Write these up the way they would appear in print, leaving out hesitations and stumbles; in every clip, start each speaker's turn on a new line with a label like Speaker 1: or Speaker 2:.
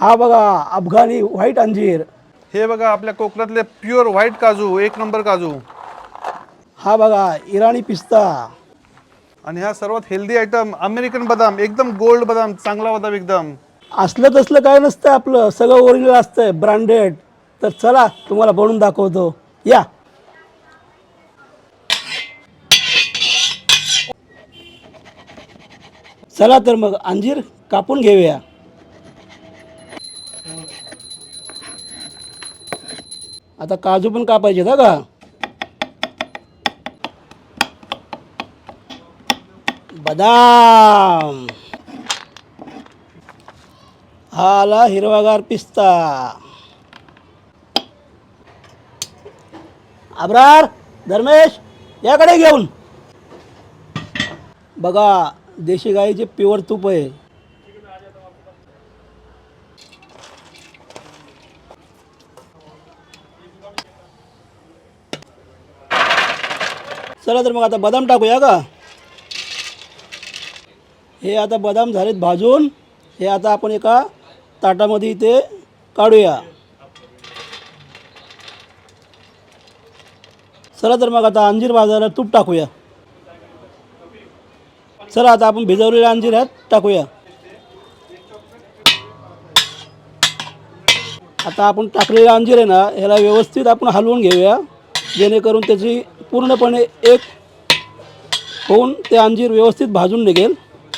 Speaker 1: हा बघा अफगाणी व्हाईट अंजीर.
Speaker 2: हे बघा आपल्या कोकणातले प्युअर व्हाईट काजू, एक नंबर काजू.
Speaker 1: हा बघा इराणी पिस्ता.
Speaker 2: आणि ह्या सर्वात हेल्दी आयटम अमेरिकन बदाम, एकदम गोल्ड बदाम, चांगला बदाम एकदम.
Speaker 1: असलं तसलं काय नसतं, आपलं सगळं ओरिजिनल असतंय, ब्रँडेड. तर चला तुम्हाला बनवून दाखवतो या. चला तर मग अंजीर कापून घेऊया. आता काजू पण कापायचे ना का. बदाम. हा आला हिरवागार पिस्ता. अब्रार, धर्मेश याकडे घेऊन. बघा देशी गाईचे प्युअर तूप आहे. चला तर मग आता बदाम टाकूया का. हे आता बदाम झालेत भाजून. हे आता आपण एका ताटामध्ये इथे काढूया. चला तर मग आता अंजीर भाजायला तूप टाकूया. चला आता आपण भिजवलेले अंजीर ह्यात टाकूया. आता आपण टाकलेला अंजीर आहे ना, ह्याला व्यवस्थित आपण हलवून घेऊया, जेणेकरून त्याची पूर्णपणे एक होऊन ते अंजीर व्यवस्थित भाजून निघेल.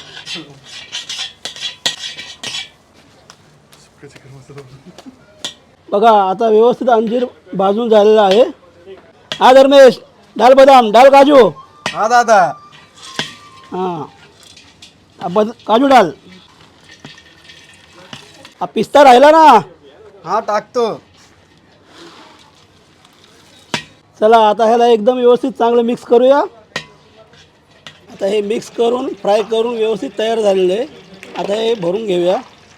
Speaker 1: बघा आता व्यवस्थित अंजीर भाजून झालेला आहे. हा धर्मेश, डाल बदाम, डाल काजू.
Speaker 2: हा दादा.
Speaker 1: हां काजू डाल. हा पिस्ता राहिला ना.
Speaker 2: हा टाकतो.
Speaker 1: चला आता ह्याला एकदम व्यवस्थित चांगलं मिक्स करूया. आता हे मिक्स करून फ्राय करून व्यवस्थित तयार झालेलं आहे. आता हे भरून घेऊया.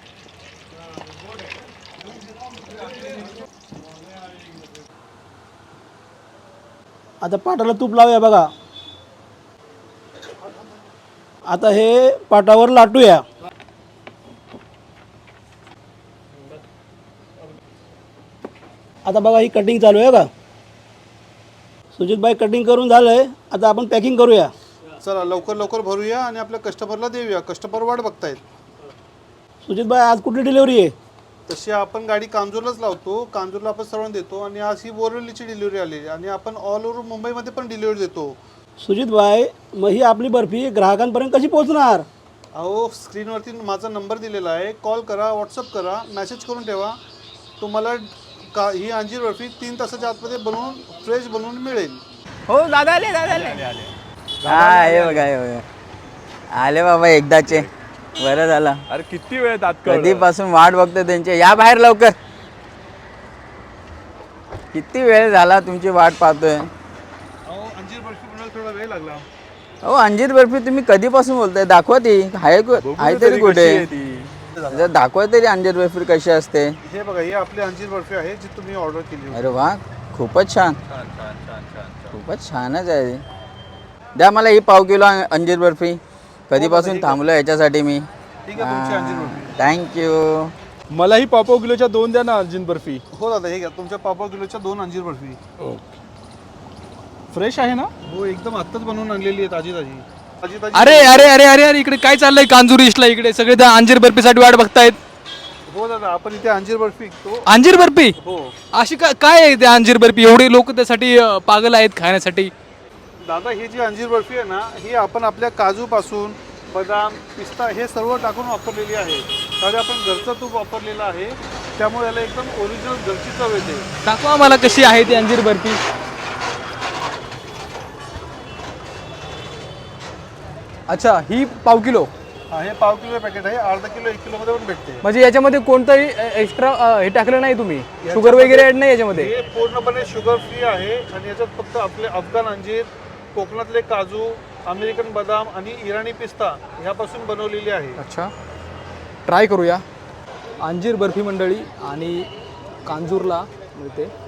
Speaker 1: आता पाटाला तूप लावूया बघा. आता हे पाटावर लाटूया. आता बघा ही कटिंग चालू आहे का. सुजितबाई कटिंग करून झालंय. आता आपण पॅकिंग करूया.
Speaker 2: चला लवकर लवकर भरूया आणि आपल्या कस्टमरला देऊया. कस्टमर वाट बघतायत.
Speaker 1: सुजितबाई आज कुठली डिलिव्हरी आहे.
Speaker 2: तशी आपण गाडी कांजूरलाच लावतो. कांजूरला आपण सर्वांना देतो आणि आज ही बोरिवलीची डिलिव्हरी आली आणि आपण ऑल ओव्हर मुंबईमध्ये पण डिलिव्हरी देतो.
Speaker 1: सुजितबाई मग ही आपली बर्फी ग्राहकांपर्यंत कशी पोहोचणार.
Speaker 2: अहो स्क्रीनवरती माझा नंबर दिलेला आहे. कॉल करा, व्हॉट्सअप करा, मेसेज करून ठेवा. तुम्हाला ही अंजीर बर्फी 3 तासाच्या आतमध्ये बनवून फ्रेश बनवून मिळेल.
Speaker 3: हो दादा आले हा हे बघा आले बाबा एकदाचे. बरं झालं.
Speaker 4: अरे किती वेळ तात
Speaker 3: कधीपासून वाट बघतोय त्यांची. या बाहेर लवकर. किती वेळ झाला तुमची वाट पाहतोय.
Speaker 2: अंजीर बर्फी बनवायला थोडा वेळ लागला.
Speaker 3: हो अंजीर बर्फी तुम्ही कधीपासून बोलताय. दाखवा ती आहे तरी कुठे. जर दाखवा तरी अंजीर बर्फी कशी असते.
Speaker 2: हे बघा ही आपली अंजीर बर्फी आहे जी तुम्ही ऑर्डर केली होती.
Speaker 3: अरे वा खूपच छान. खूपच छानच आहे. द्या मला ही पाव किलो अंजीर बर्फी. कधीपासून थांबलो याच्यासाठी मी.
Speaker 2: ठीक आहे तुमची अंजीर बर्फी.
Speaker 3: थँक्यू.
Speaker 4: मलाही पाव किलोच्या 2 द्या ना अंजीर बर्फी.
Speaker 2: हो दादा हे घ्या तुमच्या पाव किलोच्या 2 अंजीर बर्फी.
Speaker 4: फ्रेश आहे ना.
Speaker 2: हो एकदम आत्ताच बनवून आणलेली आहे ताजी ताजी. ताजी ताजी.
Speaker 4: अरे अरे अरे अरे अरे इकडे काय चाललंय कांजूर ईस्टला. इकडे सगळे त्या अंजीर बर्फीसाठी वाट बघतायत.
Speaker 2: हो दादा आपण इथे अंजीर बर्फी विकतो.
Speaker 4: अंजीर बर्फी
Speaker 2: हो
Speaker 4: अशी काय आहे त्या अंजीर बर्फी. एवढे लोक त्यासाठी पागल आहेत खाण्यासाठी.
Speaker 2: दादा ही जी अंजीर बर्फी आहे ना ही आपण आपल्या काजूपासून बदाम पिस्ता हे सर्व टाकून वापरलेली आहे. त्यामध्ये आपण घरचं तूप वापरलेलं आहे. त्यामुळे याला एकदम ओरिजिनल घरची चव येते.
Speaker 4: दाखवा मला कशी आहे ती अंजीर बर्फी. अच्छा ही पाव किलो.
Speaker 2: हा हे पाव किलो पॅकेट आहे. अर्धा किलो 1 किलो मध्ये पण भेटते.
Speaker 4: म्हणजे याच्यामध्ये कोणतंही एक्स्ट्रा हे टाकलं नाही तुम्ही. शुगर वगैरे ऍड नाही याच्यामध्ये.
Speaker 2: हे पूर्णपणे शुगर फ्री आहे आणि याच्यात फक्त आपले अफगाण अंजीर, कोकणातले काजू, अमेरिकन बदाम आणि इराणी पिस्ता ह्यापासून बनवलेली आहे.
Speaker 4: अच्छा ट्राय करूया. अंजीर बर्फी मंडळी आणि कांजूरला मिळते.